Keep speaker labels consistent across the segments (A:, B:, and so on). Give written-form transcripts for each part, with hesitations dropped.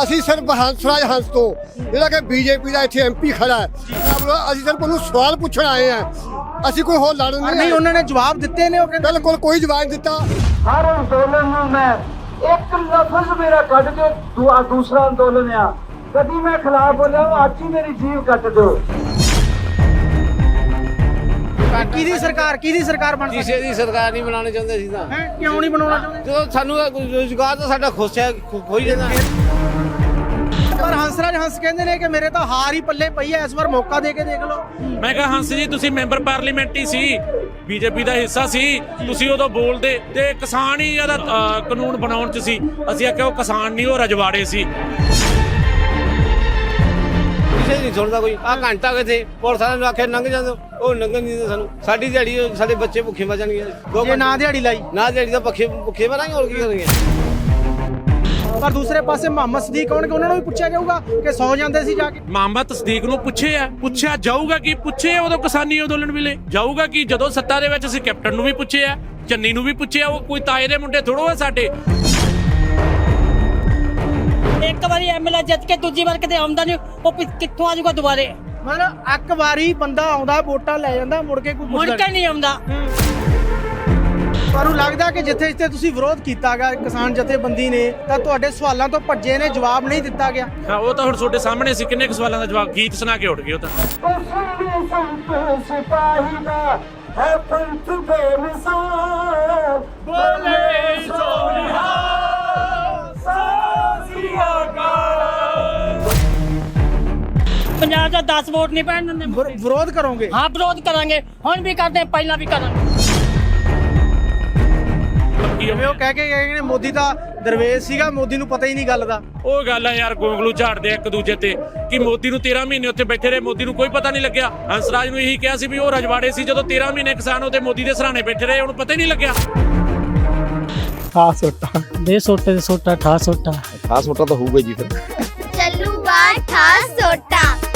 A: ਅਸੀਂ ਸਿਰਫ ਹੰਸਰਾਜ ਹੰਸ ਤੋਂ ਜਿਹੜਾ ਕਿ ਬੀਜੇਪੀ ਦਾ ਇੱਥੇ ਐਮਪੀ ਖੜਾ ਹੈ ਅਸੀਂ ਸਿਰਫ ਉਹਨੂੰ ਸਵਾਲ ਪੁੱਛਣ ਆਏ ਆ। ਅਸੀਂ ਕੋਈ ਹੋਰ ਲੜਨ
B: ਨਹੀਂ ਉਹਨਾਂ ਨੇ ਜਵਾਬ ਦਿੱਤੇ ਨੇ, ਉਹ ਕਹਿੰਦੇ
A: ਬਿਲਕੁਲ ਕੋਈ ਜਵਾਬ ਨਹੀਂ ਦਿੱਤਾ।
C: हर अंदोलन में मैं एक लफ्ज मेरा कट के दूसरा अंदोलन आ कभी मैं खिलाफ बोलिया आज ही मेरी जीव कट दो।
B: ਕਿਹਦੀ ਸਰਕਾਰ ਬਣ
D: ਕਿਸੇ ਦੀ ਸਰਕਾਰ ਨਹੀਂ ਬਣਾਉਣੀ ਚਾਹੁੰਦੇ ਸੀ ਤਾਂ
B: ਹੈ? ਕਿਉਂ ਨਹੀਂ ਬਣਾਉਣਾ ਚਾਹੁੰਦੇ?
D: ਜਦੋਂ ਸਾਨੂੰ ਰੁਜ਼ਗਾਰ ਤਾਂ ਸਾਡਾ ਖੋਈ ਜਾਂਦਾ।
B: ਪਰ ਹੰਸਰਾਜ ਹੰਸ ਕਹਿੰਦੇ ਨੇ ਕਿ ਮੇਰੇ ਤਾਂ ਹਾਰ ਹੀ ਪੱਲੇ ਪਈ ਐ, ਇਸ ਵਾਰ ਮੌਕਾ ਦੇ ਕੇ ਦੇਖ ਲਓ।
E: ਮੈਂ ਕਿਹਾ ਹੰਸ ਜੀ ਤੁਸੀਂ ਮੈਂਬਰ ਪਾਰਲੀਮੈਂਟ ਹੀ ਸੀ, ਬੀਜੇਪੀ ਦਾ ਹਿੱਸਾ ਸੀ, ਤੁਸੀਂ ਉਦੋਂ ਬੋਲਦੇ ਤੇ ਕਿਸਾਨ ਹੀ ਇਹਦਾ ਕਾਨੂੰਨ ਬਣਾਉਣ 'ਚ ਸੀ। ਅਸੀਂ ਆਖਿਆ ਉਹ ਕਿਸਾਨ ਨਹੀਂ, ਉਹ ਰਜਵਾੜੇ ਸੀ।
D: ਕਿਸੇ ਨਹੀਂ ਸੁਣਦਾ ਕੋਈ। ਆਹ ਘੰਟਾ ਕਿਥੇ ਪੁਲਿਸ ਵਾਲਿਆਂ ਨੂੰ ਆਖਿਆ ਲੰਘ ਜਾਂਦੇ, ਉਹ ਲੰਘਣ ਨਹੀਂ ਦਿੰਦੇ ਸਾਨੂੰ। ਸਾਡੀ ਦਿਹਾੜੀ ਸਾਡੇ ਬੱਚੇ ਭੁੱਖੇ ਮਰ ਜਾਣਗੇ।
B: ਜੇ ਨਾ ਦਿਹਾੜੀ ਲਾਈ
D: ਨਾ ਦਿਹਾੜੀ ਤਾਂ ਭੁੱਖੇ ਮਰਾਂਗੇ, ਹੋਰ ਕੀ ਕਰਾਂਗੇ।
B: ਪਰ ਦੂਸਰੇ ਪਾਸੇ ਮੁਹੰਮਦ ਸਦੀਕ ਆਉਣਗੇ, ਉਹਨਾਂ ਨੂੰ ਵੀ ਪੁੱਛਿਆ ਜਾਊਗਾ ਕਿ ਸੌ ਜਾਂਦੇ ਸੀ ਜਾ ਕੇ।
E: ਮੁਹੰਮਦ ਤਸਦੀਕ ਨੂੰ ਪੁੱਛਿਆ ਜਾਊਗਾ ਕਿ ਪੁੱਛੇ ਉਦੋਂ ਕਿਸਾਨੀ ਅੰਦੋਲਨ ਵੇਲੇ ਜਾਊਗਾ ਕਿ ਜਦੋਂ ਸੱਤਾ ਦੇ ਵਿੱਚ ਅਸੀਂ ਕੈਪਟਨ ਨੂੰ ਵੀ ਪੁੱਛਿਆ, ਚੰਨੀ ਨੂੰ ਵੀ ਪੁੱਛਿਆ। ਉਹ ਕੋਈ ਤਾਏ ਦੇ ਮੁੰਡੇ ਥੋੜੋ ਆ ਸਾਡੇ।
F: ਇੱਕ ਵਾਰੀ ਐਮਐਲਏ ਜਿੱਤ ਕੇ ਦੂਜੀ ਵਾਰ ਕਿਤੇ ਆਉਂਦਾ ਨਹੀਂ, ਉਹ ਕਿੱਥੋਂ ਆ ਜਾਊਗਾ ਦੁਬਾਰੇ?
B: ਮਤਲਬ ਇੱਕ ਵਾਰੀ ਬੰਦਾ ਆਉਂਦਾ ਵੋਟਾਂ ਲੈ ਜਾਂਦਾ, ਮੁੜ ਕੇ ਕੋਈ
F: ਮੁੜ
B: ਪੁੱਛਦਾ
F: ਕੇ ਨਹੀਂ ਆਉਂਦਾ।
B: ਤੁਹਾਨੂੰ ਲੱਗਦਾ ਕਿ ਜਿੱਥੇ ਤੁਸੀਂ ਵਿਰੋਧ ਕੀਤਾ ਗਿਆ ਕਿਸਾਨ ਜਥੇਬੰਦੀ ਨੇ, ਤਾਂ ਤੁਹਾਡੇ ਸਵਾਲਾਂ ਤੋਂ ਭੱਜੇ ਨੇ, ਜਵਾਬ ਨਹੀਂ ਦਿੱਤਾ ਗਿਆ?
E: ਹਾਂ, ਉਹ ਤਾਂ ਹੁਣ ਤੁਹਾਡੇ ਸਾਹਮਣੇ ਸੀ। ਕਿੰਨੇ ਕੁ ਸਵਾਲਾਂ ਦਾ ਜਵਾਬ ਗੀਤ ਸੁਣਾ ਕੇ ਉੱਠ ਗਏ ਉਹ ਤਾਂ।
C: सिपाही का है पंथ बेमिसाल बोले
F: ਪੰਜਾਬ ਦਾ 10 ਵੋਟ ਨਹੀਂ ਪੈਣ ਦਿੰਦੇ।
B: ਵਿਰੋਧ ਕਰੋਗੇ?
F: ਹਾਂ ਵਿਰੋਧ ਕਰਾਂਗੇ, ਹੁਣ ਵੀ ਕਰਦੇ, ਪਹਿਲਾਂ ਵੀ ਕਰਾਂਗੇ।
B: ਜਿਵੇਂ ਉਹ ਕਹਿ ਕੇ ਗਏ ਨੇ ਮੋਦੀ ਦਾ ਦਰਵੇਸ਼ ਸੀਗਾ, ਮੋਦੀ ਨੂੰ ਪਤਾ ਹੀ ਨਹੀਂ ਗੱਲ ਦਾ।
E: ਉਹ ਗੱਲ ਆ ਯਾਰ, ਗੋਂਗਲੂ ਝਾੜਦੇ ਇੱਕ ਦੂਜੇ ਤੇ ਕਿ ਮੋਦੀ ਨੂੰ 13 ਮਹੀਨੇ ਉੱਥੇ ਬੈਠੇ ਰਹੇ, ਮੋਦੀ ਨੂੰ ਕੋਈ ਪਤਾ ਨਹੀਂ ਲੱਗਿਆ। ਹੰਸਰਾਜ ਨੂੰ ਇਹੀ ਕਿਹਾ ਸੀ ਵੀ ਉਹ ਰਜਵਾੜੇ ਸੀ, ਜਦੋਂ 13 ਮਹੀਨੇ ਕਿਸਾਨ ਉਹਦੇ ਮੋਦੀ ਦੇ ਸਰਾਣੇ ਬੈਠੇ ਰਹੇ, ਉਹਨੂੰ ਪਤਾ ਹੀ ਨਹੀਂ ਲੱਗਿਆ।
B: ਖਾਸ ਸੋਟਾ
F: ਦੇ ਸੋਟੇ ਦੇ ਸੋਟਾ ਠਾ ਸੋਟਾ
G: ਤਾਂ ਹੋਊਗਾ ਜੀ। ਫਿਰ
H: ਚੱਲੂਗਾ ਠਾ ਸੋਟਾ।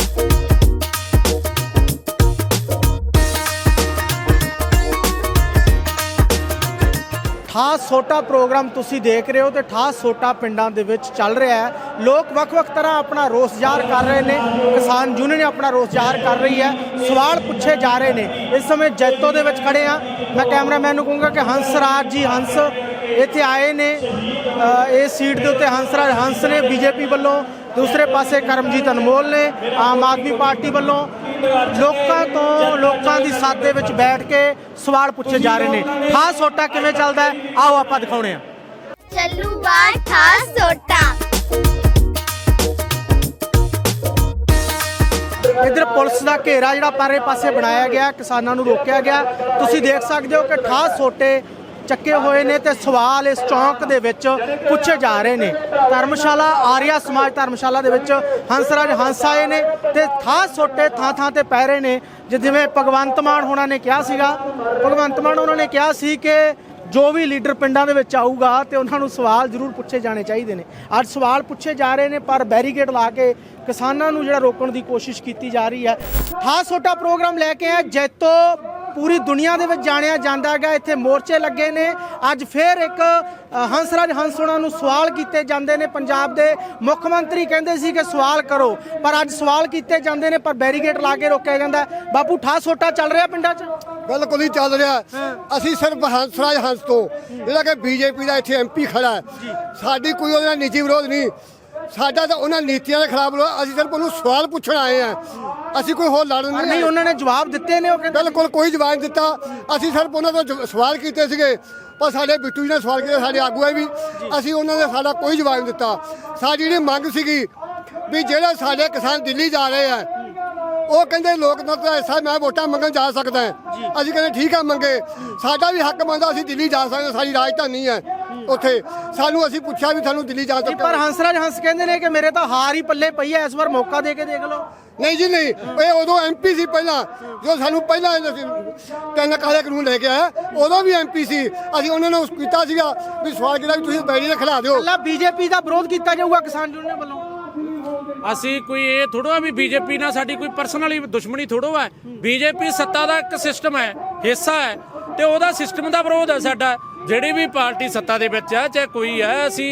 B: ਠਾਸ ਸੋਟਾ ਪ੍ਰੋਗਰਾਮ ਤੁਸੀਂ ਦੇਖ ਰਹੇ ਹੋ ਤੇ ਠਾਸ ਸੋਟਾ ਪਿੰਡਾਂ ਦੇ ਵਿੱਚ ਚੱਲ ਰਿਹਾ ਹੈ। ਲੋਕ ਵੱਖ-ਵੱਖ ਤਰ੍ਹਾਂ ਆਪਣਾ ਰੋਸ ਜ਼ਾਹਰ ਕਰ ਰਹੇ ਨੇ। ਕਿਸਾਨ ਯੂਨੀਅਨ ਆਪਣਾ ਰੋਸ ਜ਼ਾਹਰ ਕਰ ਰਹੀ ਹੈ, ਸਵਾਲ ਪੁੱਛੇ ਜਾ ਰਹੇ ਨੇ। ਇਸ ਸਮੇਂ ਜੈਤੋ ਦੇ ਵਿੱਚ ਖੜੇ ਆ। ਮੈਂ ਕੈਮਰਾਮੈਨ ਨੂੰ ਕਹੂੰਗਾ ਕਿ ਹੰਸਰਾਜ ਜੀ ਹੰਸ ਇੱਥੇ ਆਏ ਨੇ। ਇਸ ਸੀਟ ਦੇ ਉੱਤੇ ਹੰਸਰਾਜ ਹੰਸ ਨੇ ਬੀਜੇਪੀ ਵੱਲੋਂ, ਦੂਸਰੇ ਪਾਸੇ ਕਰਮਜੀਤ ਅਨਮੋਲ ਨੇ ਆਮ ਆਦਮੀ ਪਾਰਟੀ ਵੱਲੋਂ। ਲੋਕਾਂ ਦੀ ਸਾਥ ਦੇ ਵਿੱਚ ਬੈਠ ਕੇ ਸਵਾਲ ਪੁੱਛੇ ਜਾ ਰਹੇ ਨੇ। ਖਾਸ ਸੋਟਾ ਕਿਵੇਂ ਚੱਲਦਾ ਹੈ, ਆਓ ਆਪਾਂ ਦਿਖਾਉਣੇ ਆ।
H: ਚੱਲੂਗਾ ਠਾ ਸੋਟਾ।
B: ਇਧਰ ਪੁਲਿਸ ਦਾ ਘੇਰਾ ਜਿਹੜਾ ਪਾਰੇ ਪਾਸੇ ਬਣਾਇਆ ਗਿਆ, ਕਿਸਾਨਾਂ ਨੂੰ ਰੋਕਿਆ ਗਿਆ। ਤੁਸੀਂ ਦੇਖ ਸਕਦੇ ਹੋ ਕਿ ਠਾਸ ਸੋਟੇ ਚੱਕੇ ਹੋਏ ਨੇ ਤੇ ਸਵਾਲ ਇਸ ਚੌਂਕ ਦੇ ਵਿੱਚ ਪੁੱਛੇ ਜਾ ਰਹੇ ਨੇ। ਧਰਮਸ਼ਾਲਾ ਆਰੀਆ ਸਮਾਜ ਧਰਮਸ਼ਾਲਾ ਦੇ ਵਿੱਚ ਹੰਸਰਾਜ ਹੰਸ ਆਏ ਨੇ ਤੇ ਖਾਸ ਸੋਟੇ ਥਾਂ ਤੇ ਪੈ ਰਹੇ ਨੇ। ਜਿਵੇਂ ਭਗਵੰਤ ਮਾਨ ਹੋਣਾ ਨੇ ਕਿਹਾ ਸੀਗਾ, ਉਹਨਾਂ ਨੇ ਕਿਹਾ ਸੀ ਕਿ ਜੋ ਵੀ ਲੀਡਰ ਪਿੰਡਾਂ ਦੇ ਵਿੱਚ ਆਊਗਾ ਤੇ ਉਹਨਾਂ ਨੂੰ ਸਵਾਲ ਜ਼ਰੂਰ ਪੁੱਛੇ ਜਾਣੇ ਚਾਹੀਦੇ ਨੇ। ਅੱਜ ਸਵਾਲ ਪੁੱਛੇ ਜਾ ਰਹੇ ਨੇ, ਪਰ ਬੈਰੀਕੇਡ ਲਾ ਕੇ ਕਿਸਾਨਾਂ ਨੂੰ ਜਿਹੜਾ ਰੋਕਣ ਦੀ ਕੋਸ਼ਿਸ਼ ਕੀਤੀ ਜਾ ਰਹੀ ਹੈ। ਖਾਸ ਸੋਟਾ ਪ੍ਰੋਗਰਾਮ ਲੈ ਕੇ ਆ ਜੈਤੋ ਪੂਰੀ ਦੁਨੀਆ ਦੇ ਵਿੱਚ ਜਾਣਿਆ ਜਾਂਦਾ ਹੈਗਾ। ਇੱਥੇ ਮੋਰਚੇ ਲੱਗੇ ਨੇ। ਅੱਜ ਫੇਰ ਇੱਕ ਹੰਸਰਾਜ ਹੰਸ ਉਹਨਾਂ ਨੂੰ ਸਵਾਲ ਕੀਤੇ ਜਾਂਦੇ ਨੇ। ਪੰਜਾਬ ਦੇ ਮੁੱਖ ਮੰਤਰੀ ਕਹਿੰਦੇ ਸੀ ਕਿ ਸਵਾਲ ਕਰੋ, ਪਰ ਅੱਜ ਸਵਾਲ ਕੀਤੇ ਜਾਂਦੇ ਨੇ, ਪਰ ਬੈਰੀਕੇਡ ਲਾ ਕੇ ਰੋਕਿਆ ਜਾਂਦਾ। ਬਾਪੂ ਠਾ ਸੋਟਾ ਚੱਲ ਰਿਹਾ ਪਿੰਡਾਂ 'ਚ?
A: ਬਿਲਕੁਲ ਹੀ ਚੱਲ ਰਿਹਾ। ਅਸੀਂ ਸਿਰਫ ਹੰਸਰਾਜ ਹੰਸ ਤੋਂ ਜਿਹੜਾ ਕਿ ਬੀਜੇਪੀ ਦਾ ਇੱਥੇ ਐਮਪੀ ਖੜਾ ਹੈ, ਸਾਡੀ ਕੋਈ ਉਹਦੇ ਨਾਲ ਨਿੱਜੀ ਵਿਰੋਧ ਨਹੀਂ। ਸਾਡਾ ਤਾਂ ਉਹਨਾਂ ਨੀਤੀਆਂ ਦੇ ਖਿਲਾਫ ਵਿਰੋਧ। ਅਸੀਂ ਸਿਰਫ ਉਹਨੂੰ ਸਵਾਲ ਪੁੱਛਣ ਆਏ ਆ। ਅਸੀਂ ਕੋਈ ਹੋਰ ਲੜਨ
B: ਨਹੀਂ ਉਹਨਾਂ ਨੇ ਜਵਾਬ ਦਿੱਤੇ ਨੇ, ਉਹ ਕਹਿੰਦੇ
A: ਬਿਲਕੁਲ ਕੋਈ ਜਵਾਬ ਨਹੀਂ ਦਿੱਤਾ। ਅਸੀਂ ਸਿਰਫ ਉਹਨਾਂ ਤੋਂ ਸਵਾਲ ਕੀਤੇ ਸੀਗੇ, ਪਰ ਸਾਡੇ ਬਿੱਟੂ ਜੀ ਨੇ ਸਵਾਲ ਕੀਤੇ, ਸਾਡੇ ਆਗੂਆਂ ਵੀ। ਅਸੀਂ ਉਹਨਾਂ ਨੇ ਸਾਡਾ ਕੋਈ ਜਵਾਬ ਨਹੀਂ ਦਿੱਤਾ। ਸਾਡੀ ਜਿਹੜੀ ਮੰਗ ਸੀਗੀ ਵੀ ਜਿਹੜੇ ਸਾਡੇ ਕਿਸਾਨ ਦਿੱਲੀ ਜਾ ਰਹੇ ਆ, ਉਹ ਕਹਿੰਦੇ ਲੋਕਤੰਤਰ ਦਾ ਹਿੱਸਾ, ਮੈਂ ਵੋਟਾਂ ਮੰਗਣ ਜਾ ਸਕਦਾ। ਅਸੀਂ ਕਹਿੰਦੇ ਠੀਕ ਆ, ਮੰਗੇ। ਸਾਡਾ ਵੀ ਹੱਕ ਬਣਦਾ, ਅਸੀਂ ਦਿੱਲੀ ਜਾ ਸਕਦੇ, ਸਾਡੀ ਰਾਜਧਾਨੀ ਹੈ ਉੱਥੇ। ਸਾਨੂੰ ਅਸੀਂ ਪੁੱਛਿਆ ਵੀ ਸਾਨੂੰ ਦਿੱਲੀ ਜਾ ਸਕਦੇ।
B: ਪਰ ਹੰਸਰਾਜ ਹੰਸ ਕਹਿੰਦੇ ਨੇ ਕਿ ਮੇਰੇ ਤਾਂ ਹਾਰ ਹੀ ਪੱਲੇ ਪਈ ਹੈ, ਇਸ ਵਾਰ ਮੌਕਾ ਦੇ ਕੇ ਦੇਖ ਲਓ।
A: ਨਹੀਂ ਜੀ ਨਹੀਂ, ਇਹ ਉਦੋਂ ਐਮਪੀ ਸੀ ਪਹਿਲਾਂ, ਜੋ ਸਾਨੂੰ ਪਹਿਲਾਂ 3 ਕਾਲੇ ਕਾਨੂੰਨ ਲੈ ਕੇ ਆਇਆ, ਉਦੋਂ ਵੀ ਐਮਪੀ ਸੀ। ਅਸੀਂ ਉਹਨਾਂ ਨੂੰ ਕੀਤਾ ਸੀਗਾ ਵੀ ਸਵਾਲ ਕੀਤਾ ਵੀ ਤੁਸੀਂ ਬੈਰੀ ਦੇ ਖਿਲਾ ਦਿਓ।
B: ਪਹਿਲਾਂ ਬੀਜੇਪੀ ਦਾ ਵਿਰੋਧ ਕੀਤਾ ਜਾਊਗਾ ਕਿਸਾਨ ਯੂਨੀਅਨ ਵੱਲੋਂ।
E: ਅਸੀਂ ਕੋਈ ਇਹ ਥੋੜੋ ਵੀ ਬੀਜੇਪੀ ਨਾਲ ਸਾਡੀ ਕੋਈ ਪਰਸਨਲੀ ਦੁਸ਼ਮਣੀ ਥੋੜੋ ਹੈ। ਬੀਜੇਪੀ ਸੱਤਾ ਦਾ ਇੱਕ ਸਿਸਟਮ ਹੈ, ਹਿੱਸਾ ਹੈ, ਤੇ ਉਹਦਾ ਸਿਸਟਮ ਦਾ ਵਿਰੋਧ ਹੈ ਸਾਡਾ। ਜਿਹੜੀ ਵੀ ਪਾਰਟੀ ਸੱਤਾ ਦੇ ਵਿੱਚ ਹੈ, ਚਾਹੇ ਕੋਈ ਹੈ, ਅਸੀਂ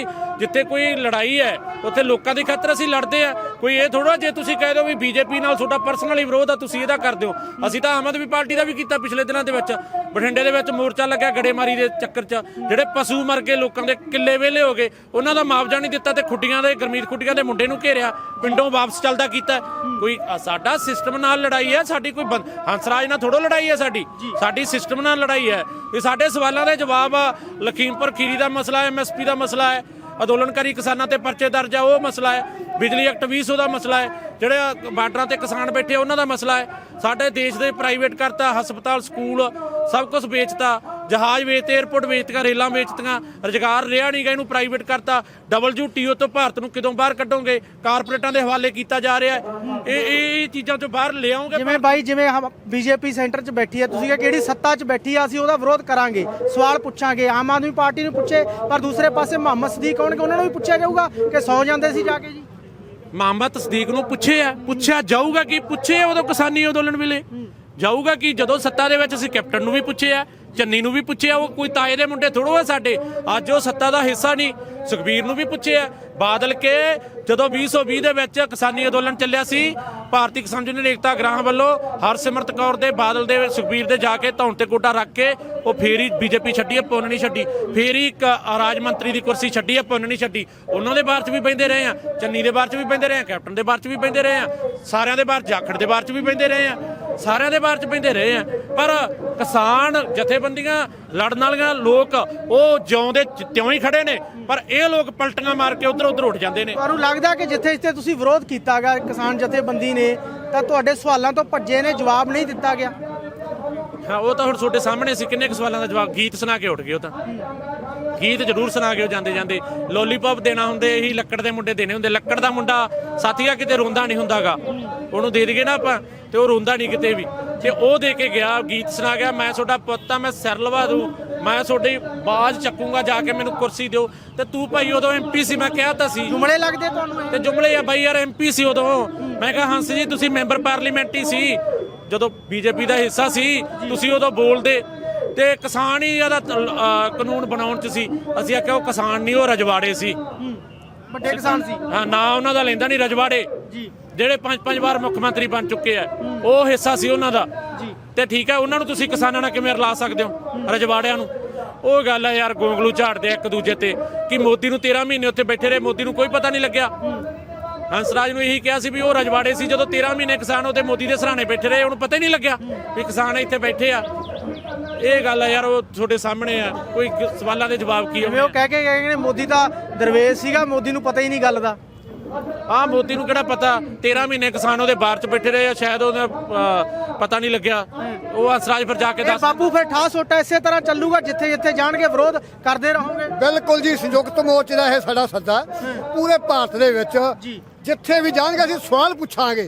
E: ਜਿੱਥੇ ਕੋਈ ਲੜਾਈ ਹੈ ਉੱਥੇ ਲੋਕਾਂ ਦੀ ਖਾਤਰ ਅਸੀਂ ਲੜਦੇ ਆ। ਕੋਈ ਇਹ ਥੋੜਾ ਜੇ ਤੁਸੀਂ ਕਹਿ ਦਿਓ ਵੀ ਬੀਜੇਪੀ ਨਾਲ ਤੁਹਾਡਾ ਪਰਸਨਲੀ ਵਿਰੋਧ ਆ ਤੁਸੀਂ ਇਹਦਾ ਕਰ ਦਿਓ। ਅਸੀਂ ਤਾਂ ਆਮ ਆਦਮੀ ਪਾਰਟੀ ਦਾ ਵੀ ਕੀਤਾ ਪਿਛਲੇ ਦਿਨਾਂ ਦੇ ਵਿੱਚ। ਬਠਿੰਡੇ ਦੇ ਵਿੱਚ ਮੋਰਚਾ ਲੱਗਿਆ ਗੜੇਮਾਰੀ ਦੇ ਚੱਕਰ 'ਚ, ਜਿਹੜੇ ਪਸ਼ੂ ਮਰ ਗਏ, ਲੋਕਾਂ ਦੇ ਕਿੱਲੇ ਵਿਹਲੇ ਹੋ ਗਏ, ਉਹਨਾਂ ਦਾ ਮੁਆਵਜ਼ਾ ਨਹੀਂ ਦਿੱਤਾ ਤੇ ਖੁੱਡੀਆਂ ਦੇ ਗੁਰਮੀਤ ਖੁੱਡੀਆਂ ਦੇ ਮੁੰਡੇ ਨੂੰ ਘੇਰਿਆ, ਪਿੰਡੋਂ ਵਾਪਸ ਚੱਲਦਾ ਕੀਤਾ। ਕੋਈ ਸਾਡਾ ਸਿਸਟਮ ਨਾਲ ਲੜਾਈ ਹੈ, ਸਾਡੀ ਕੋਈ ਹੰਸਰਾਜ ਨਾਲ ਥੋੜੋ ਲੜਾਈ ਹੈ, ਸਾਡੀ ਸਿਸਟਮ ਨਾਲ ਲੜਾਈ ਹੈ। ਇਹ ਸਾਡੇ ਸਵਾਲਾਂ ਦੇ ਜਵਾਬ ਆ। ਲਖੀਮਪੁਰ ਖੀਰੀ ਦਾ ਮਸਲਾ ਹੈ, MSP ਦਾ ਮਸਲਾ ਹੈ, ਅੰਦੋਲਨਕਾਰੀ ਕਿਸਾਨਾਂ ਤੇ ਪਰਚੇ ਦਰਜ ਆ ਉਹ ਮਸਲਾ ਹੈ, ਬਿਜਲੀ ਐਕਟ 2000 ਦਾ ਮਸਲਾ ਹੈ, ਜਿਹੜੇ ਬਾਰਡਰਾਂ ਤੇ ਕਿਸਾਨ ਬੈਠੇ ਉਹਨਾਂ ਦਾ ਮਸਲਾ ਹੈ। ਸਾਡੇ ਦੇਸ਼ ਦੇ ਪ੍ਰਾਈਵੇਟ ਕਰਤਾ, ਹਸਪਤਾਲ, ਸਕੂਲ ਸਭ ਕੁਝ ਵੇਚਤਾ, ਜਹਾਜ਼ ਵੇਚਤੇ, 에ਅਰਪੋਰਟ ਵੇਚਤੀਆਂ, ਰੇਲਾਂ ਵੇਚਤੀਆਂ, ਰੁਜ਼ਗਾਰ ਰਿਹਾ ਨਹੀਂ ਗਾ, ਇਹਨੂੰ ਪ੍ਰਾਈਵੇਟ ਕਰਤਾ। WTO ਤੋਂ ਭਾਰਤ ਨੂੰ ਕਿਦੋਂ ਬਾਹਰ ਕੱਢੋਗੇ? ਕਾਰਪੋਰੇਟਾਂ ਦੇ ਹਵਾਲੇ ਕੀਤਾ ਜਾ ਰਿਹਾ ਹੈ। ਇਹ ਚੀਜ਼ਾਂ ਤੋਂ ਬਾਹਰ ਲਿਆਉਂਗੇ।
B: ਜਿਵੇਂ ਬਾਈ ਜਿਵੇਂ ਬੀਜੇਪੀ ਸੈਂਟਰ 'ਚ ਬੈਠੀ ਹੈ, ਤੁਸੀਂ ਕਿਹੜੀ ਸੱਤਾ 'ਚ ਬੈਠੀ ਆ, ਅਸੀਂ ਉਹਦਾ ਵਿਰੋਧ ਕਰਾਂਗੇ, ਸਵਾਲ ਪੁੱਛਾਂਗੇ। ਆਮ ਆਦਮੀ ਪਾਰਟੀ ਨੂੰ ਪੁੱਛੇ, ਪਰ ਦੂਸਰੇ ਪਾਸੇ ਮੁਹੰਮਦ ਸਦੀਕ ਹੋਣਗੇ, ਉਹਨਾਂ ਨੂੰ ਵੀ ਪੁੱਛਿਆ ਜਾਊਗਾ ਕਿ ਸੌ ਜਾਂਦੇ ਸੀ ਜਾ ਕੇ ਜੀ।
E: ਮੁਹੰਮਦ ਸਦੀਕ ਨੂੰ ਪੁੱਛਿਆ ਜਾਊਗਾ ਕਿ ਪੁੱਛੇ ਉਦੋਂ ਕਿਸਾਨੀ ਅੰਦੋਲਨ ਵੇਲੇ ਜਾਊਗਾ ਕਿ ਜਦੋਂ ਸੱਤਾ ਦੇ ਵਿੱਚ ਅਸੀਂ ਕੈਪਟਨ ਨੂੰ ਵੀ ਪੁੱਛਿਆ, ਚੰਨੀ ਨੂੰ ਵੀ ਪੁੱਛਿਆ, ਉਹ ਕੋਈ ਤਾਏ ਦੇ ਮੁੰਡੇ ਥੋੜੋ ਆ ਸਾਡੇ, ਅੱਜ ਉਹ ਸੱਤਾ ਦਾ ਹਿੱਸਾ ਨਹੀਂ। ਸੁਖਬੀਰ ਨੂੰ ਵੀ ਪੁੱਛਿਆ, ਬਾਦਲ ਕੇ ਜਦੋਂ 2020 ਦੇ ਵਿੱਚ ਕਿਸਾਨੀ ਅੰਦੋਲਨ ਚੱਲਿਆ ਸੀ, ਭਾਰਤੀ ਕਿਸਾਨ ਯੂਨੀਅਨ ਏਕਤਾ ਗ੍ਰਾਮ ਵੱਲੋਂ ਹਰਸਿਮਰਤ ਕੌਰ ਦੇ, ਬਾਦਲ ਦੇ, ਸੁਖਬੀਰ ਦੇ ਜਾ ਕੇ ਧੌਣ ਤੇ ਗੋਡਾ ਰੱਖ ਕੇ ਉਹ ਫੇਰ ਹੀ ਬੀਜੇਪੀ ਛੱਡੀ ਹੈ, ਪੁੰਨ ਨਹੀਂ ਛੱਡੀ। ਫੇਰ ਹੀ ਇੱਕ ਰਾਜ ਮੰਤਰੀ ਦੀ ਕੁਰਸੀ ਛੱਡੀ ਹੈ, ਪੁੰਨ ਨਹੀਂ ਛੱਡੀ। ਉਹਨਾਂ ਦੇ ਬਾਰ 'ਚ ਵੀ ਬਹਿੰਦੇ ਰਹੇ ਆ, ਚੰਨੀ ਦੇ ਬਾਰ 'ਚ ਵੀ ਬਹਿੰਦੇ ਰਹੇ ਆ, ਕੈਪਟਨ ਦੇ ਬਾਰ 'ਚ ਵੀ ਬਹਿੰਦੇ ਰਹੇ ਆ, ਸਾਰਿਆਂ ਦੇ ਬਾਰ, ਜਾਖੜ ਦੇ ਬਾਰ 'ਚ ਵੀ ਬਹਿੰਦੇ ਰਹੇ ਆ, ਸਾਰਿਆਂ ਦੇ ਬਾਰ 'ਚ ਬਹਿੰਦੇ ਰਹੇ ਆ। ਪਰ ਕਿਸਾਨ ਜਥੇਬੰਦੀਆਂ ਲੜਨ ਵਾਲੀਆਂ ਲੋਕ ਉਹ ਜਿਉਂਦੇ ਤਿਉਂ ਹੀ ਖੜੇ ਨੇ, ਪਰ ਇਹ ਲੋਕ ਪਲਟੀਆਂ ਮਾਰ ਕੇ ਉਧਰ ਉੱਠ ਜਾਂਦੇ ਨੇ।
B: ਤੁਹਾਨੂੰ ਲੱਗਦਾ ਕਿ ਜਿੱਥੇ ਜਿੱਥੇ ਤੁਸੀਂ ਵਿਰੋਧ ਕੀਤਾ ਗਿਆ ਕਿਸਾਨ ਜਥੇਬੰਦੀ ਨੇ, ਤਾਂ ਤੁਹਾਡੇ ਸਵਾਲਾਂ ਤੋਂ ਭੱਜੇ ਨੇ, ਜਵਾਬ ਨਹੀਂ ਦਿੱਤਾ ਗਿਆ?
E: ਹਾਂ, ਉਹ ਤਾਂ ਹੁਣ ਤੁਹਾਡੇ ਸਾਹਮਣੇ ਸੀ, ਕਿੰਨੇ ਕੁ ਸਵਾਲਾਂ ਦਾ ਜਵਾਬ ਗੀਤ ਸੁਣਾ ਕੇ ਉੱਠ ਗਏ। ਉਹ ਤਾਂ ਗੀਤ ਜ਼ਰੂਰ ਸੁਣਾ ਕੇ ਜਾਂਦੇ ਜਾਂਦੇ ਲੋਲੀਪੌਪ ਦੇਣਾ ਹੁੰਦੇ, ਇਹੀ ਲੱਕੜ ਦੇ ਮੁੰਡੇ ਦੇਣੇ ਹੁੰਦੇ। ਲੱਕੜ ਦਾ ਮੁੰਡਾ ਸਾਥੀਆ ਕਿਤੇ ਰੋਂਦਾ ਨਹੀਂ ਹੁੰਦਾਗਾ, ਉਹਨੂੰ ਦੇ ਦਈਏ ਨਾ ਆਪਾਂ ਤੇ ਉਹ ਰੋਂਦਾ ਨਹੀਂ ਕਿਤੇ ਵੀ, ਤੇ ਉਹ ਦੇ ਕੇ ਗਿਆ, ਗੀਤ ਸੁਣਾ ਗਿਆ, ਮੈਂ ਤੁਹਾਡਾ ਪੁੱਤ ਆ, ਮੈਂ ਸਿਰ ਲਵਾ ਦੂੰ, ਮੈਂ ਤੁਹਾਡੀ ਬਾਜ਼ ਚੱਕੂਗਾ, ਜਾ ਕੇ ਮੈਨੂੰ ਕੁਰਸੀ ਦਿਓ। ਤੇ ਤੂੰ ਭਾਈ ਉਦੋਂ MP ਸੀ, ਮੈਂ ਕਿਹਾ ਤਾਂ ਸੀ।
B: ਜੁਮਲੇ ਲੱਗਦੇ ਤੁਹਾਨੂੰ?
E: ਤੇ ਜੁਮਲੇ ਆ ਬਾਈ ਯਾਰ, MP ਸੀ ਉਦੋਂ। ਮੈਂ ਕਿਹਾ ਹੰਸ ਜੀ ਤੁਸੀਂ ਮੈਂਬਰ ਪਾਰਲੀਮੈਂਟ ਹੀ ਸੀ ਜਦੋਂ ਬੀਜੇਪੀ ਦਾ ਹਿੱਸਾ ਸੀ, ਤੁਸੀਂ ਉਦੋਂ ਬੋਲਦੇ ਤੇ ਕਿਸਾਨ ਹੀ ਇਹਦਾ ਕਾਨੂੰਨ ਬਣਾਉਣ 'ਚ ਸੀ। ਅਸੀਂ ਆਖਿਆ ਉਹ ਕਿਸਾਨ ਨਹੀਂ, ਉਹ ਰਜਵਾੜੇ ਸੀ,
B: ਵੱਡੇ ਕਿਸਾਨ ਸੀ।
E: ਹਾਂ, ਨਾ ਉਹਨਾਂ ਦਾ ਲੈਂਦਾ ਨਹੀਂ, ਰਜਵਾੜੇ
B: ਜੀ,
E: ਜਿਹੜੇ 5-5 ਵਾਰ ਮੁੱਖ ਮੰਤਰੀ ਬਣ ਚੁੱਕੇ ਆ, ਉਹ ਹਿੱਸਾ ਸੀ ਉਹਨਾਂ ਦਾ
B: ਜੀ।
E: ਤੇ ਠੀਕ ਹੈ, ਉਹਨਾਂ ਨੂੰ ਤੁਸੀਂ ਕਿਸਾਨਾਂ ਨਾਲ ਕਿਵੇਂ ਰਲਾ ਸਕਦੇ ਹੋ, ਰਜਵਾੜਿਆਂ ਨੂੰ? ਉਹ ਗੱਲ ਹੈ ਯਾਰ, ਗੋਂਗਲੂ ਝਾੜਦੇ ਇੱਕ ਦੂਜੇ ਤੇ ਕਿ ਮੋਦੀ ਨੂੰ 13 ਮਹੀਨੇ ਉੱਥੇ ਬੈਠੇ ਰਹੇ, ਮੋਦੀ ਨੂੰ ਕੋਈ ਪਤਾ ਨਹੀਂ ਲੱਗਿਆ। ਹੰਸਰਾਜ ਨੂੰ ਇਹੀ ਕਿਹਾ ਸੀ ਵੀ ਉਹ ਰਜਵਾੜੇ ਸੀ, ਜਦੋਂ 13 ਮਹੀਨੇ ਕਿਸਾਨ ਉਹਦੇ ਮੋਦੀ ਦੇ ਸਰਾਣੇ ਬੈਠੇ ਰਹੇ, ਉਹਨੂੰ ਪਤਾ ਹੀ ਨਹੀਂ ਲੱਗਿਆ ਵੀ ਕਿਸਾਨ ਇੱਥੇ ਬੈਠੇ ਆ। ਇਹ ਗੱਲ ਹੈ ਯਾਰ, ਉਹ ਤੁਹਾਡੇ ਸਾਹਮਣੇ ਆ, ਕੋਈ ਸਵਾਲਾਂ ਦੇ ਜਵਾਬ ਕੀ
B: ਜਿਵੇਂ ਉਹ ਕਹਿ ਕੇ ਗਏ ਨੇ ਮੋਦੀ ਤਾਂ ਦਰਵੇਸ਼ ਸੀਗਾ, ਮੋਦੀ ਨੂੰ ਪਤਾ ਹੀ ਨਹੀਂ ਗੱਲ ਦਾ।
E: ਹਾਂ, ਮੋਦੀ ਨੂੰ ਕਿਹੜਾ ਪਤਾ, 13 ਮਹੀਨੇ ਕਿਸਾਨ ਉਹਦੇ ਬਾਹਰ 'ਚ ਬੈਠੇ ਰਹੇ ਆ, ਸ਼ਾਇਦ ਉਹਦਾ ਪਤਾ ਨਹੀਂ ਲੱਗਿਆ। ਉਹ ਹੰਸਰਾਜ ਫਿਰ ਜਾ ਕੇ ਦੱਸ।
B: ਬਾਪੂ ਫਿਰ ਠਾ ਸੋਟਾ ਇਸੇ ਤਰ੍ਹਾਂ ਚੱਲੂਗਾ, ਜਿੱਥੇ ਜਿੱਥੇ ਜਾਣਗੇ ਵਿਰੋਧ ਕਰਦੇ ਰਹੋਗੇ?
A: ਬਿਲਕੁਲ ਜੀ, ਸੰਯੁਕਤ ਮੋਰਚੇ ਦਾ ਇਹ ਸਾਡਾ ਸੱਦਾ ਪੂਰੇ ਭਾਰਤ ਦੇ ਵਿੱਚ ਜਿੱਥੇ ਵੀ ਜਾਣਗੇ ਅਸੀਂ ਸਵਾਲ ਪੁੱਛਾਂਗੇ।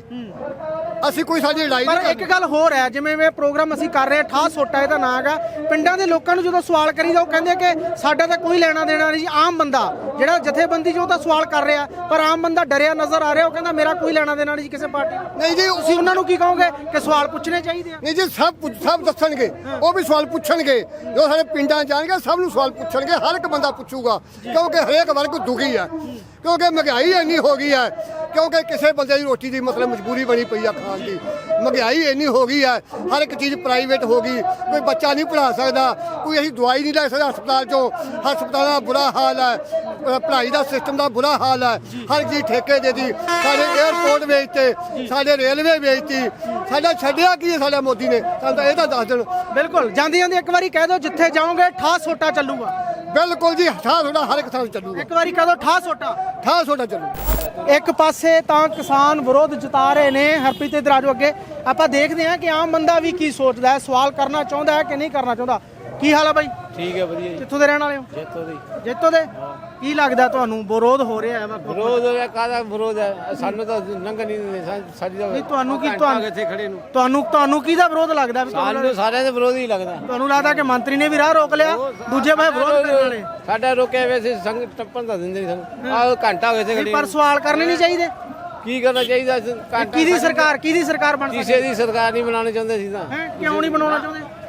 A: ਅਸੀਂ ਕੋਈ ਸਾਡੀ ਲੜਾਈ
B: ਪਰ
A: ਨਹੀਂ
B: ਇੱਕ ਗੱਲ ਹੋਰ ਹੈ, ਜਿਵੇਂ ਇਹ ਪ੍ਰੋਗਰਾਮ ਅਸੀਂ ਕਰ ਰਹੇ ਹਾਂ, ਠਾ ਸੋਟਾ ਇਹਦਾ ਨਾਂ ਹੈਗਾ, ਪਿੰਡਾਂ ਦੇ ਲੋਕਾਂ ਨੂੰ ਜਦੋਂ ਸਵਾਲ ਕਰੀਦਾ ਉਹ ਕਹਿੰਦੇ ਕਿ ਸਾਡਾ ਤਾਂ ਕੋਈ ਲੈਣਾ ਦੇਣਾ ਨਹੀਂ ਜੀ। ਆਮ ਬੰਦਾ ਜਿਹੜਾ ਜਥੇਬੰਦੀ ਜੋ ਤਾਂ ਸਵਾਲ ਕਰ ਰਿਹਾ, ਪਰ ਆਮ ਬੰਦਾ ਡਰਿਆ ਨਜ਼ਰ ਆ ਰਿਹਾ, ਉਹ ਕਹਿੰਦਾ ਮੇਰਾ ਕੋਈ ਲੈਣਾ ਦੇਣਾ ਨਹੀਂ ਜੀ ਕਿਸੇ ਪਾਰਟੀ ਨਾਲ।
A: ਨਹੀਂ ਜੀ,
B: ਤੁਸੀਂ ਉਹਨਾਂ ਨੂੰ ਕੀ ਕਹੋਗੇ ਕਿ ਸਵਾਲ ਪੁੱਛਣੇ ਚਾਹੀਦੇ ਆ?
A: ਨਹੀਂ ਜੀ, ਸਭ ਦੱਸਣਗੇ, ਉਹ ਵੀ ਸਵਾਲ ਪੁੱਛਣਗੇ। ਜੋ ਸਾਡੇ ਪਿੰਡਾਂ ਜਾਣਗੇ ਸਭ ਨੂੰ ਸਵਾਲ ਪੁੱਛਣਗੇ, ਹਰ ਇੱਕ ਬੰਦਾ ਪੁੱਛੂਗਾ, ਕਿਉਂਕਿ ਹਰੇਕ ਵਰਗ ਦੁਖੀ ਹੈ, ਕਿਉਂਕਿ ਮਹਿੰਗਾਈ ਇੰਨੀ ਹੋ ਗਈ ਹੈ, ਕਿਉਂਕਿ ਕਿਸੇ ਬੰਦੇ ਦੀ ਰੋਟੀ ਦੀ ਮਤਲਬ ਮਜਬੂਰੀ ਬਣੀ ਪਈ ਆ ਖਾਣ ਦੀ। ਮਹਿੰਗਾਈ ਇੰਨੀ ਹੋ ਗਈ ਹੈ, ਹਰ ਇੱਕ ਚੀਜ਼ ਪ੍ਰਾਈਵੇਟ ਹੋ ਗਈ, ਕੋਈ ਬੱਚਾ ਨਹੀਂ ਪੜ੍ਹਾ ਸਕਦਾ, ਕੋਈ ਅਸੀਂ ਦਵਾਈ ਨਹੀਂ ਲੈ ਸਕਦਾ ਹਸਪਤਾਲ 'ਚੋਂ, ਹਸਪਤਾਲਾਂ ਦਾ ਬੁਰਾ ਹਾਲ ਹੈ, ਪੜ੍ਹਾਈ ਦਾ ਸਿਸਟਮ ਦਾ ਬੁਰਾ ਹਾਲ ਹੈ, ਹਰ ਚੀਜ਼ ਠੇਕੇ ਦੇ ਦੀ, ਸਾਡੇ 에ਅਰਪੋਰਟ ਵੇਚਤੇ, ਸਾਡੇ ਰੇਲਵੇ ਵੇਚਤੀ, ਸਾਡਾ ਛੱਡਿਆ ਕੀ ਹੈ ਸਾਡਾ ਮੋਦੀ ਨੇ? ਸਾਨੂੰ ਤਾਂ ਇਹ ਤਾਂ ਦੱਸ ਦੇਣ।
B: ਬਿਲਕੁਲ, ਜਾਂਦੀ ਜਾਂਦੀ ਇੱਕ ਵਾਰੀ ਕਹਿ ਦਿਓ, ਜਿੱਥੇ ਜਾਓਗੇ ਠਾ ਸੋਟਾ ਚੱਲੂਗਾ।
A: ਬਿਲਕੁਲ ਜੀ, ਠਾ ਤੁਹਾਡਾ ਹਰ ਇੱਕ ਥਾਂ ਚੱਲੂਗਾ,
B: ਇੱਕ ਵਾਰੀ ਕਹਿ ਦਿਓ ਠਾ ਸੋਟਾ।
A: ਠਾ ਤੁਹਾਡਾ ਚੱਲੂ।
B: ਇੱਕ ਪਾਸੇ ਤਾਂ ਕਿਸਾਨ ਵਿਰੋਧ ਜਤਾ ਰਹੇ ਨੇ, ਹਰਪ੍ਰੀਤ ਇਧਰ ਆਜੋ ਅੱਗੇ, ਆਪਾਂ ਦੇਖਦੇ ਹਾਂ ਕਿ ਆਮ ਬੰਦਾ ਵੀ ਕੀ ਸੋਚਦਾ ਹੈ, ਸਵਾਲ ਕਰਨਾ ਚਾਹੁੰਦਾ ਹੈ ਕਿ ਨਹੀਂ ਕਰਨਾ ਚਾਹੁੰਦਾ। ਕੀ ਹਾਲ ਹੈ ਬਾਈ?
D: ਠੀਕ ਹੈ, ਵਧੀਆ ਜੀ।
B: ਕਿੱਥੋਂ ਦੇ ਰਹਿਣ ਵਾਲੇ ਹੋ?
D: ਜੇਤੋ ਦੀ।
B: ਜੇਤੋ ਦੇ। ਕੀ ਲੱਗਦਾ ਤੁਹਾਨੂੰ ਵਿਰੋਧ ਹੋ ਰਿਹਾ ਹੈ?
D: ਵਿਰੋਧ ਹੈ, ਕਾਹਦਾ ਵਿਰੋਧ ਹੈ? ਸਾਨੂੰ ਤਾਂ ਲੰਘ ਨਹੀਂ ਦਿੰਦੇ, ਸਾਡੀ ਤਾਂ
B: ਨਹੀਂ, ਤੁਹਾਨੂੰ ਕੀ
D: ਇੱਥੇ ਖੜੇ ਨੂੰ
B: ਤੁਹਾਨੂੰ ਕਿਹਦਾ ਵਿਰੋਧ ਲੱਗਦਾ? ਵੀ
D: ਸਾਨੂੰ ਸਾਰਿਆਂ ਦੇ ਵਿਰੋਧ ਹੀ ਲੱਗਦਾ।
B: ਤੁਹਾਨੂੰ ਲੱਗਦਾ ਕਿ ਮੰਤਰੀ ਨੇ ਵੀ ਰਾਹ ਰੋਕ ਲਿਆ, ਦੂਜੇ ਪਾਸੇ ਵਿਰੋਧ ਕਰਨ ਵਾਲੇ?
D: ਸਾਡਾ ਰੋਕਿਆ ਵੈਸੇ ਸੰਗ ਟੱਪਣ ਦਾ ਦਿੰਦੇ ਨਹੀਂ ਸਾਨੂੰ, ਆਹ ਘੰਟਾ ਹੋਇਆ ਇੱਥੇ ਖੜੇ।
B: ਪਰ ਸਵਾਲ ਕਰਨੇ ਨਹੀਂ ਚਾਹੀਦੇ?
D: ਕੀ ਕਰਨਾ ਚਾਹੀਦਾ?
B: ਕਿਹਦੀ ਸਰਕਾਰ ਬਣ ਸਕਦੀ?
D: ਕਿਸੇ ਦੀ ਸਰਕਾਰ ਨਹੀਂ ਬਣਾਉਣੀ ਚਾਹੁੰਦੇ ਸੀ ਤਾਂ।
B: ਕਿਉਂ ਨਹੀਂ ਬਣਾਉਣਾ ਚਾਹੁੰਦੇ?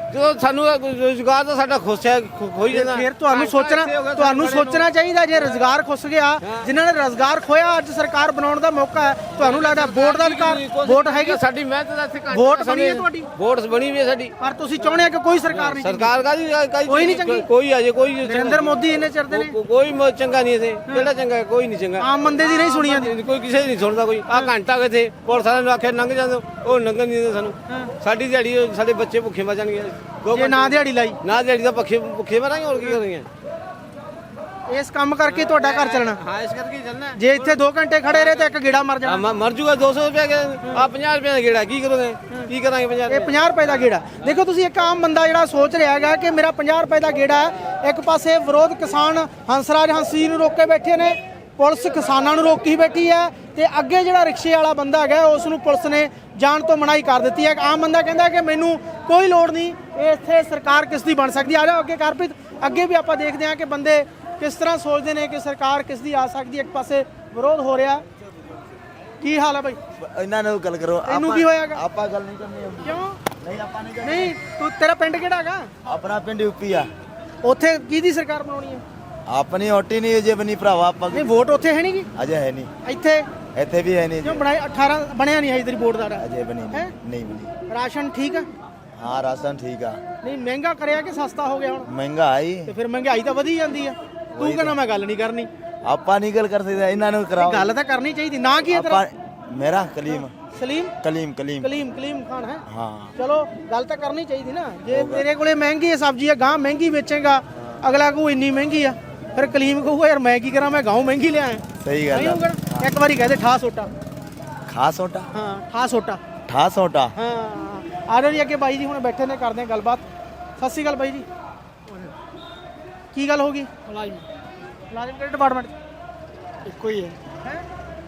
D: ਜਦੋਂ ਸਾਨੂੰ ਰੋਜ਼ਗਾਰ ਤਾਂ ਸਾਡਾ ਖੋਈ ਜਾਂਦਾ।
B: ਫਿਰ ਤੁਹਾਨੂੰ ਸੋਚਣਾ ਚਾਹੀਦਾ ਜੇ ਰੋਜ਼ਗਾਰ ਖੁੱਸ ਗਿਆ, ਜਿਨ੍ਹਾਂ ਨੇ ਰੋਜ਼ਗਾਰ ਖੋਇਆ ਅੱਜ ਸਰਕਾਰ ਬਣਾਉਣ ਦਾ ਮੌਕਾ ਹੈ। ਤੁਹਾਨੂੰ ਲੱਗਦਾ ਵੋਟ ਦਾ ਅਧਿਕਾਰ, ਵੋਟ ਹੈਗੀ
D: ਸਾਡੀ ਮਿਹਨਤ ਦਾ ਇੱਥੇ
B: ਵੋਟ ਬਣੀ ਹੈ ਤੁਹਾਡੀ,
D: ਵੋਟ ਬਣੀ ਵੀ ਹੈ ਸਾਡੀ,
B: ਪਰ ਤੁਸੀਂ ਚਾਹੁੰਦੇ ਆ ਕਿ ਕੋਈ ਸਰਕਾਰ ਨਹੀਂ
D: ਸਰਕਾਰ ਕਾਹਦੀ
B: ਕੋਈ ਨਹੀਂ ਚੰਗੀ,
D: ਕੋਈ ਅਜੇ ਕੋਈ
B: ਨਰਿੰਦਰ ਮੋਦੀ ਇੰਨੇ ਚਿਰਦੇ ਨੇ
D: ਕੋਈ ਚੰਗਾ ਨਹੀਂ ਇੱਥੇ, ਕਿਹੜਾ ਚੰਗਾ ਕੋਈ ਨਹੀਂ ਚੰਗਾ,
B: ਆਮ ਬੰਦੇ ਦੀ ਨਹੀਂ ਸੁਣੀ ਜਾਂਦੀ,
D: ਕੋਈ ਕਿਸੇ ਦੀ ਨਹੀਂ ਸੁਣਦਾ ਕੋਈ। ਆ ਘੰਟਾ ਕਿਥੇ ਪੁਲਿਸ ਵਾਲਿਆਂ ਨੂੰ ਆਖਿਆ ਲੰਘ ਜਾਂਦੇ, ਉਹ ਲੰਘਣ ਨਹੀਂ ਦਿੰਦੇ ਸਾਨੂੰ। ਸਾਡੀ ਦਿਹਾੜੀ ਸਾਡੇ ਬੱਚੇ ਭੁੱਖੇ ਮਰ ਜਾਣਗੇ
B: ਜੇ ਨਾ ਦਿਹਾੜੀ ਲਾਈ,
D: ਨਾ ਦਿਹਾੜੀ ਦਾ ਭੁੱਖੇ ਮਰਾਂਗੇ, ਹੋਰ ਕੀ ਕਰਾਂਗੇ।
B: ਇਸ ਕੰਮ ਕਰਕੇ ਤੁਹਾਡਾ ਘਰ ਚੱਲਣਾ।
D: ਹਾਂ ਇਸ ਕਰਕੇ ਚੱਲਣਾ।
B: ਜੇ ਇੱਥੇ 2 ਘੰਟੇ ਖੜੇ ਰਹੇ ਤਾਂ ਇੱਕ ਗੇੜਾ ਮਰ ਜਾਣਾ।
D: ਮਰ ਜੂਗਾ 200 ਰੁਪਏ ਆ 50 ਰੁਪਏ ਦਾ ਗੇੜਾ, ਕੀ ਕਰੋਗੇ, ਕੀ ਕਰਾਂਗੇ 50
B: ਇਹ 50 ਰੁਪਏ ਦਾ ਗੇੜਾ। ਦੇਖੋ ਤੁਸੀਂ ਇੱਕ ਆਮ ਬੰਦਾ ਜਿਹੜਾ ਸੋਚ ਰਿਹਾ ਹੈਗਾ ਕਿ ਮੇਰਾ 50 ਰੁਪਏ ਦਾ ਗੇੜਾ ਹੈ। ਇੱਕ ਪਾਸੇ ਵਿਰੋਧ ਕਿਸਾਨ ਹੰਸਰਾਜ ਹੰਸੀ ਨੂੰ ਰੋਕ ਕੇ ਬੈਠੇ ਨੇ, ਪੁਲਿਸ ਕਿਸਾਨਾਂ ਨੂੰ ਰੋਕੀ ਬੈਠੀ ਹੈ, ਤੇ ਅੱਗੇ ਜਿਹੜਾ ਰਿਕਸ਼ੇ ਵਾਲਾ ਬੰਦਾ ਹੈਗਾ ਉਸ ਨੂੰ ਪੁਲਿਸ ਨੇ ਜਾਣ ਤੋਂ ਮਨਾਹੀ ਕਰ ਦਿੱਤੀ ਹੈ। ਆਮ ਬੰਦਾ ਕਹਿੰਦਾ ਕਿ ਮੈਨੂੰ ਕੋਈ ਲੋੜ ਨਹੀਂ, ਇੱਥੇ ਸਰਕਾਰ ਕਿਸ ਦੀ ਬਣ ਸਕਦੀ। ਆ ਜਾਓ ਅੱਗੇ ਕਾਰਪਿਤ, ਅੱਗੇ ਵੀ ਆਪਾਂ ਦੇਖਦੇ ਹਾਂ ਕਿ ਬੰਦੇ ਕਿਸ ਤਰ੍ਹਾਂ ਸੋਚਦੇ ਨੇ ਕਿ ਸਰਕਾਰ ਕਿਸ ਦੀ ਆ ਸਕਦੀ ਹੈ। ਇੱਕ ਪਾਸੇ ਵਿਰੋਧ ਹੋ ਰਿਹਾ, ਕੀ ਹਾਲ ਹੈ ਭਾਈ?
G: ਇਹਨਾਂ ਨਾਲ ਗੱਲ ਕਰੋ।
B: ਤੈਨੂੰ ਕੀ ਹੋਇਆਗਾ?
G: ਆਪਾਂ ਗੱਲ ਨਹੀਂ ਕਰਨੀ ਹੁੰਦੀ।
B: ਕਿਉਂ
G: ਨਹੀਂ ਆਪਾਂ ਨਹੀਂ ਕਰਨੀ।
B: ਨਹੀਂ, ਤੂੰ ਤੇਰਾ ਪਿੰਡ ਕਿਹੜਾ ਹੈਗਾ?
G: ਆਪਣਾ ਪਿੰਡ ਯੂਪੀ ਆ।
B: ਉੱਥੇ ਕਿਹਦੀ ਸਰਕਾਰ ਬਣਾਉਣੀ ਹੈ?
G: ਆਪਣੀ ਹੋਟੀ ਨਹੀਂ ਅਜੇ ਬਣੀ ਭਰਾਵਾ। ਆਪਾਂ
B: ਨਹੀਂ ਵੋਟ ਉੱਥੇ ਹੈ ਨਹੀਂ ਗੀ,
G: ਅਜੇ ਹੈ ਨਹੀਂ,
B: ਇੱਥੇ
G: ਇੱਥੇ ਵੀ ਹੈ ਨਹੀਂ,
B: ਕਿਉਂ ਬਣਾਈ 18 ਬਣਿਆ ਨਹੀਂ ਹੈ ਤੇਰੀ ਵੋਟ ਦਾ?
G: ਅਜੇ ਬਣੀ
B: ਹੈਂ?
G: ਨਹੀਂ ਬਣੀ।
B: ਰਾਸ਼ਨ ਠੀਕ ਆ?
G: ਹਾਂ ਰਾਸ਼ਨ ਠੀਕ ਆ।
B: ਨਹੀਂ ਮਹਿੰਗਾ ਕਰਿਆ ਕਿ ਸਸਤਾ ਹੋ ਗਿਆ ਹੁਣ?
G: ਮਹਿੰਗਾਈ
B: ਤੇ ਫਿਰ ਮਹਿੰਗਾਈ ਤਾਂ ਵਧੀ ਜਾਂਦੀ ਆ। ਤੂੰ ਕਹਿੰਦਾ ਮੈਂ ਗੱਲ ਨਹੀਂ ਕਰਨੀ,
G: ਆਪਾਂ ਨਹੀਂ ਗੱਲ ਕਰ ਸਕਦੇ, ਇਹਨਾਂ ਨੂੰ ਕਰਾਓ।
B: ਗੱਲ ਤਾਂ ਕਰਨੀ ਚਾਹੀਦੀ। ਨਾ ਕੀ ਹੈ ਤੇਰਾ?
G: ਆਪਾਂ ਮੇਰਾ ਕਲੀਮ
B: ਸਲੀਮ
G: ਕਲੀਮ
B: ਕਲੀਮ ਖਾਨ ਹੈ।
G: ਹਾਂ
B: ਚਲੋ ਗੱਲ ਤਾਂ ਕਰਨੀ ਚਾਹੀਦੀ ਨਾ। ਜੇ ਤੇਰੇ ਕੋਲੇ ਮਹਿੰਗੀ ਹੈ ਸਬਜ਼ੀ, ਹੈ ਗਾਂ ਮਹਿੰਗੀ ਵੇਚੇਗਾ, ਅਗਲਾ ਕਹੂ ਇੰਨੀ ਮਹਿੰਗੀ ਆ, ਫਿਰ ਕਲੀਮ ਕਹੂਗਾ ਯਾਰ ਮੈਂ ਕੀ ਕਰਾਂ, ਮੈਂ ਗਾਂ ਮਹਿੰਗੀ ਲਿਆਇਆ।
G: ਸਹੀ ਗੱਲ
B: ਨਹੀਂ
G: ਆ।
B: ਹੋਊਗਾ। ਇੱਕ ਵਾਰੀ ਕਹਦੇ ਠਾ ਸੋਟਾ,
G: ਖਾਸ ਹੋਟਾ
B: ਹਾਂ ਠਾ ਸੋਟਾ,
G: ਠਾਸ ਹੋਟਾ।
B: ਹਾਂ ਆ ਜਾਓ ਜੀ ਅੱਗੇ। ਬਾਈ ਜੀ ਹੁਣ ਬੈਠੇ ਨੇ, ਕਰਦੇ ਆ ਗੱਲਬਾਤ। ਸਤਿ ਸ਼੍ਰੀ ਅਕਾਲ ਬਾਈ ਜੀ, ਕੀ ਗੱਲ ਹੋ ਗਈ? ਮੁਲਾਜ਼ਮ ਕਿਹੜੇ ਡਿਪਾਰਟਮੈਂਟ? ਇੱਕੋ ਹੀ ਹੈ।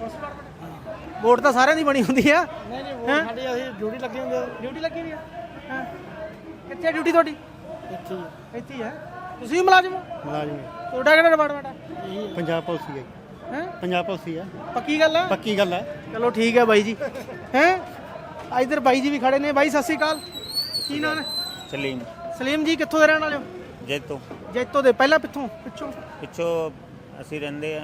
B: ਵੋਟ ਤਾਂ ਸਾਰਿਆਂ ਦੀ ਬਣੀ ਹੁੰਦੀ ਆ। ਨਹੀਂ ਨਹੀਂ ਵੋਟ ਸਾਡੀ, ਅਸੀਂ ਡਿਊਟੀ ਲੱਗੀ ਹੁੰਦੀ ਆ। ਡਿਊਟੀ ਲੱਗੀ ਹੋਈ ਆ? ਹਾਂ ਕਿੱਥੇ ਡਿਊਟੀ ਤੁਹਾਡੀ? ਇੱਥੇ ਹੀ ਹੈ। ਇੱਥੇ ਹੀ ਹੈ। ਤੁਸੀਂ ਮੁਲਾਜ਼ਮ ਹੋ?
I: ਮੁਲਾਜ਼ਮ
B: ਤੁਹਾਡਾ ਕਿਹੜਾ ਡਿਪਾਰਟਮੈਂਟ ਆ?
I: ਪੰਜਾਬ ਪੁਲਿਸ ਹੀ ਹੈ।
B: ਹੈ
I: ਪੰਜਾਬ ਪੁਲਿਸ ਹੀ ਹੈ।
B: ਪੱਕੀ ਗੱਲ ਆ?
I: ਪੱਕੀ ਗੱਲ ਹੈ।
B: ਚਲੋ ਠੀਕ ਹੈ ਬਾਈ ਜੀ। ਹੈ ਇਧਰ ਬਾਈ ਜੀ ਵੀ ਖੜੇ ਨੇ। ਬਾਈ ਸਤਿ ਸ਼੍ਰੀ ਅਕਾਲ, ਕੀ ਨਾਮ ਹੈ?
J: ਸਲੀਮ
B: ਸਲੀਮ ਜੀ ਕਿੱਥੋਂ ਦੇ ਰਹਿਣ ਵਾਲੇ ਹੋ?
J: ਜੈਤੋ
B: ਜੈਤੋ ਦੇ। ਪਹਿਲਾਂ ਪਿੱਛੋਂ
J: ਪਿੱਛੋਂ ਅਸੀਂ ਰਹਿੰਦੇ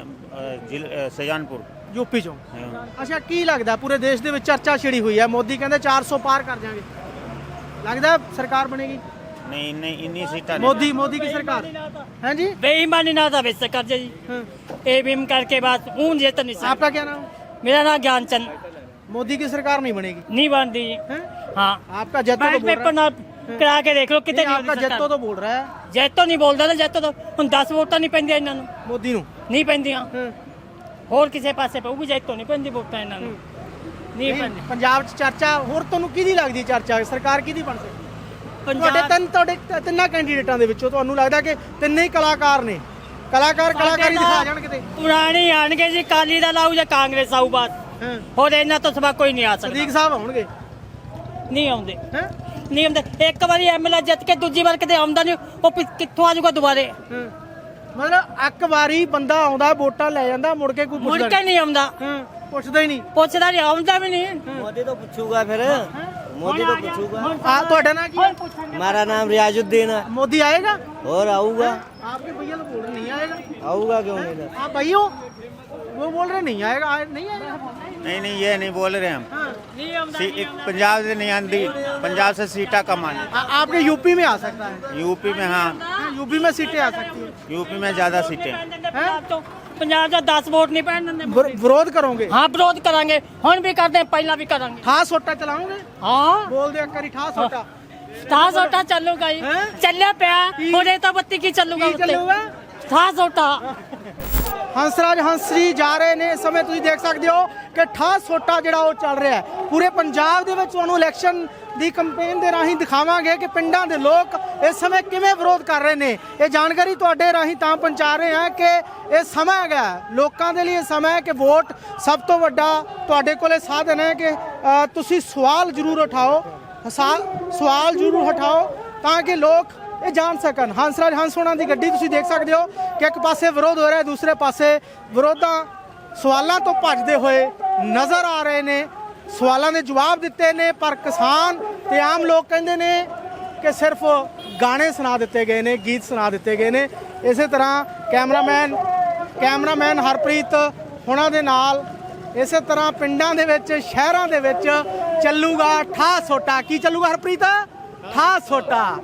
J: ਸਜਾਨਪੁਰ
B: ਯੂਪੀ ਚੋਂ। ਅੱਛਾ ਕੀ ਲੱਗਦਾ ਪੂਰੇ ਦੇਸ਼ ਦੇ ਵਿੱਚ ਚਰਚਾ ਛਿੜੀ ਹੋਈ ਹੈ, ਮੋਦੀ ਕਹਿੰਦੇ 400 ਪਾਰ ਕਰ ਜਾਾਂਗੇ, ਲੱਗਦਾ ਸਰਕਾਰ ਬਣੇਗੀ?
J: नहीं नहीं इन्हीं सीटा
B: मोदी की सरकार है जी।
F: बेईमानी ना था वैसे कर जी। एबीएम करके बाद ऊन ये तो नहीं।
B: आपका क्या नाम?
F: मेरा नाम ज्ञानचंद।
B: मोदी की सरकार नहीं बनेगी?
F: नहीं बनती। हाँ
B: आपका जैतो तो बोल
F: पेपर ना करा के देख लो कितने।
B: आपका जैतो तो बोल रहा है।
F: जैतो नहीं बोलता ना, जैतो तो हम 10 वोटा नहीं पैंदियां इन्हां नूं।
B: मोदी नूं
F: नहीं पैंदियां, होर किसी पासे पे वो भी जैतो नहीं पैंदी वोटां इन्हां नूं नहीं पैंदी।
B: पंजाब च चर्चा होर ਤੁਹਾਨੂੰ ਕਿਹਦੀ ਲੱਗਦੀ ਚਰਚਾ ਸਰਕਾਰ ਕਿਹਦੀ ਬਣ ਸਕਦੀ? ਤੁਹਾਡੇ ਤਿੰਨਾਂ ਕੈਂਡੀਡੇਟਾਂ ਦੇ ਵਿੱਚੋਂ ਤੁਹਾਨੂੰ ਲੱਗਦਾ ਕਿ ਤਿੰਨੇ ਹੀ ਕਲਾਕਾਰ ਨੇ? ਕਲਾਕਾਰੀ ਦਿਖਾ ਜਾਣ ਕਿਤੇ।
F: ਪੁਰਾਣੇ ਆਣਗੇ ਜੀ, ਕਾਲੀ ਦਾ ਲਾਊ ਜਾਂ ਕਾਂਗਰਸ ਆਊ ਬਾਤ। ਹੋਰ ਇਹਨਾਂ ਤੋਂ ਸਵਾ ਕੋਈ ਨਹੀਂ ਆ ਸਕਦਾ।
B: ਸਦੀਕ ਸਾਹਿਬ ਆਉਣਗੇ?
F: ਨਹੀਂ ਆਉਂਦੇ, ਨਹੀਂ ਆਉਂਦੇ। ਇੱਕ ਵਾਰੀ ਐਮਐਲਏ ਜਿੱਤ ਕੇ ਦੂਜੀ ਵਾਰ ਕਿਤੇ ਆਉਂਦਾ ਨਹੀਂ, ਉਹ ਕਿੱਥੋਂ ਆ ਜਾਊਗਾ ਦੁਬਾਰੇ?
B: ਮਤਲਬ ਇੱਕ ਵਾਰੀ ਬੰਦਾ ਆਉਂਦਾ ਵੋਟਾਂ ਲੈ ਜਾਂਦਾ, ਮੁੜ ਕੇ ਕੋਈ
F: ਮੁੜ ਕੇ ਨਹੀਂ ਆਉਂਦਾ।
B: ਪੁੱਛਦਾ ਹੀ ਨਹੀਂ।
F: ਪੁੱਛਦਾ ਨਹੀਂ, ਆਉਂਦਾ ਵੀ ਨਹੀਂ।
G: मोदी तो पूछूगा फिर, मोदी तो पूछूगा।
B: हाँ ਤੁਹਾਡਾ ਨਾਮ ਕੀ ਹੈ?
G: हमारा नाम रियाजुद्दीन है।
B: मोदी आएगा?
G: और आऊंगा।
B: आपके भैया तो बोल रहे नहीं आएगा।
G: आऊंगा क्यों नहीं?
B: आप भाई हो? वो बोल रहे नहीं आएगा। नहीं आएगा?
J: नहीं ये नहीं बोल रहे हम।
F: नहीं आਉਂਦਾ।
J: पंजाब से नहीं आती, पंजाब से सीटा कम आनी।
B: आपके यूपी में आ सकता है।
J: यूपी में हाँ,
B: यूपी में सीटें आ सकती है।
J: यूपी में ज्यादा सीटें।
F: ਪੰਜਾਬ ਦਾ 10 ਵੋਟ ਨਹੀਂ ਪੈਣ ਦਿੰਦੇ।
B: ਵਿਰੋਧ ਕਰੋਗੇ?
F: ਹਾਂ ਵਿਰੋਧ ਕਰਾਂਗੇ, ਹੁਣ ਵੀ ਕਰਦੇ ਹਾਂ, ਪਹਿਲਾਂ ਵੀ ਕਰਾਂਗੇ।
B: ਠਾ ਸੋਟਾ ਚਲਾਉਂਗੇ?
F: ਹਾਂ
B: ਬੋਲ ਦੇ ਇੱਕ ਵਾਰੀ ਠਾ ਸੋਟਾ।
F: ਠਾ ਸੋਟਾ ਚੱਲੂਗਾ ਜੀ, ਚੱਲਿਆ ਪਿਆ। ਹੁਣੇ ਤਾਂ ਬੱਤੀ ਕੀ ਚੱਲੂਗਾ ਉੱਤੇ? ਠਾ ਸੋਟਾ।
B: ਹੰਸਰਾਜ ਹੰਸਰੀ ਜਾ ਰਹੇ ਨੇ। ਇਸ ਸਮੇਂ ਤੁਸੀਂ ਦੇਖ ਸਕਦੇ ਹੋ ਕਿ ਠਾ ਸੋਟਾ ਜਿਹੜਾ ਉਹ ਚੱਲ ਰਿਹਾ ਹੈ ਪੂਰੇ ਪੰਜਾਬ ਦੇ ਵਿੱਚ। ਤੁਹਾਨੂੰ ਇਲੈਕਸ਼ਨ ਦੀ ਕੈਂਪੇਨ ਦੇ ਰਾਹੀਂ ਦਿਖਾਵਾਂਗੇ ਕਿ ਪਿੰਡਾਂ ਦੇ ਲੋਕ ਇਸ ਸਮੇਂ ਕਿਵੇਂ ਵਿਰੋਧ ਕਰ ਰਹੇ ਨੇ। ਇਹ ਜਾਣਕਾਰੀ ਤੁਹਾਡੇ ਰਾਹੀਂ ਤਾਂ ਪਹੁੰਚਾ ਰਹੇ ਹਾਂ ਕਿ ਇਹ ਸਮਾਂ ਹੈਗਾ ਲੋਕਾਂ ਦੇ ਲਈ। ਇਹ ਸਮਾਂ ਹੈ ਕਿ ਵੋਟ ਸਭ ਤੋਂ ਵੱਡਾ ਤੁਹਾਡੇ ਕੋਲੇ ਸਾਧਨ ਹੈ ਕਿ ਤੁਸੀਂ ਸਵਾਲ ਜ਼ਰੂਰ ਉਠਾਓ, ਸਵਾਲ ਜ਼ਰੂਰ ਉਠਾਓ ਤਾਂ ਕਿ ਲੋਕ ਇਹ ਜਾਣ ਸਕਣ। ਹੰਸਰਾਜ ਹੰਸ ਹੋਣਾ ਦੀ ਗੱਡੀ ਤੁਸੀਂ ਦੇਖ ਸਕਦੇ ਹੋ ਕਿ ਇੱਕ ਪਾਸੇ ਵਿਰੋਧ ਹੋ ਰਿਹਾ, ਦੂਸਰੇ ਪਾਸੇ ਵਿਰੋਧਾਂ ਸਵਾਲਾਂ ਤੋਂ ਭੱਜਦੇ ਹੋਏ ਨਜ਼ਰ ਆ ਰਹੇ ਨੇ। ਸਵਾਲਾਂ ਦੇ ਜਵਾਬ ਦਿੱਤੇ ਨੇ, ਪਰ ਕਿਸਾਨ ਤੇ ਆਮ ਲੋਕ ਕਹਿੰਦੇ ਨੇ ਕਿ ਸਿਰਫ ਗਾਣੇ ਸੁਣਾ ਦਿੱਤੇ ਗਏ ਨੇ, ਗੀਤ ਸੁਣਾ ਦਿੱਤੇ ਗਏ ਨੇ। ਇਸੇ ਤਰ੍ਹਾਂ ਕੈਮਰਾਮੈਨ ਹਰਪ੍ਰੀਤ ਹੁਣਾਂ ਦੇ ਨਾਲ ਇਸੇ ਤਰ੍ਹਾਂ ਪਿੰਡਾਂ ਦੇ ਵਿੱਚ, ਸ਼ਹਿਰਾਂ ਦੇ ਵਿੱਚ ਚੱਲੂਗਾ ਠਾ ਸੋਟਾ। ਕੀ ਚੱਲੂਗਾ ਹਰਪ੍ਰੀਤ? ਠਾ ਸੋਟਾ।